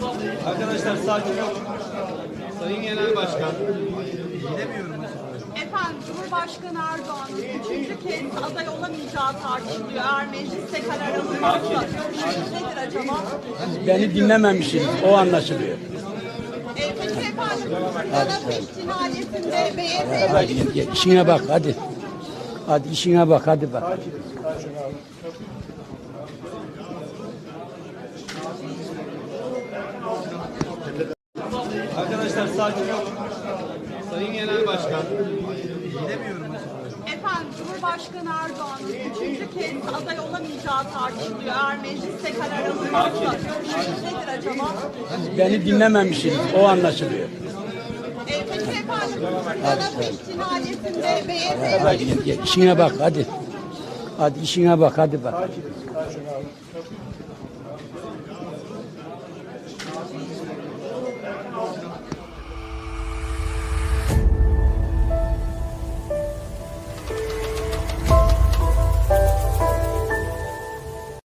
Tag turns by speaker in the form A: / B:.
A: Arkadaşlar sakin olun. Sayın Genel Başkan.
B: Efendim, Cumhurbaşkanı Erdoğan'ın 3. kez aday olamayacağı tartışılıyor. Eğer mecliste karar alınmazsa görüşünüz nedir acaba?
C: Beni dinlememişsiniz, o anlaşılıyor.
B: Peki efendim, Galata cinayetinde BYS'ye
C: Hadi işine bak, hadi. Hadi işine bak, hadi bak.
A: Arkadaşlar sakin olun. Sayın Genel Başkan.
B: Efendim, Cumhurbaşkanı Erdoğan'ın 3. kez aday olamayacağı tartışılıyor. Eğer mecliste karar alınmazsa görüşünüz nedir acaba?
C: Beni dinlememişsiniz, o anlaşılıyor.
B: Peki efendim, Galata cinayetinde BYS'ye
C: Hadi işine bak, hadi. Hadi işine bak, hadi bak.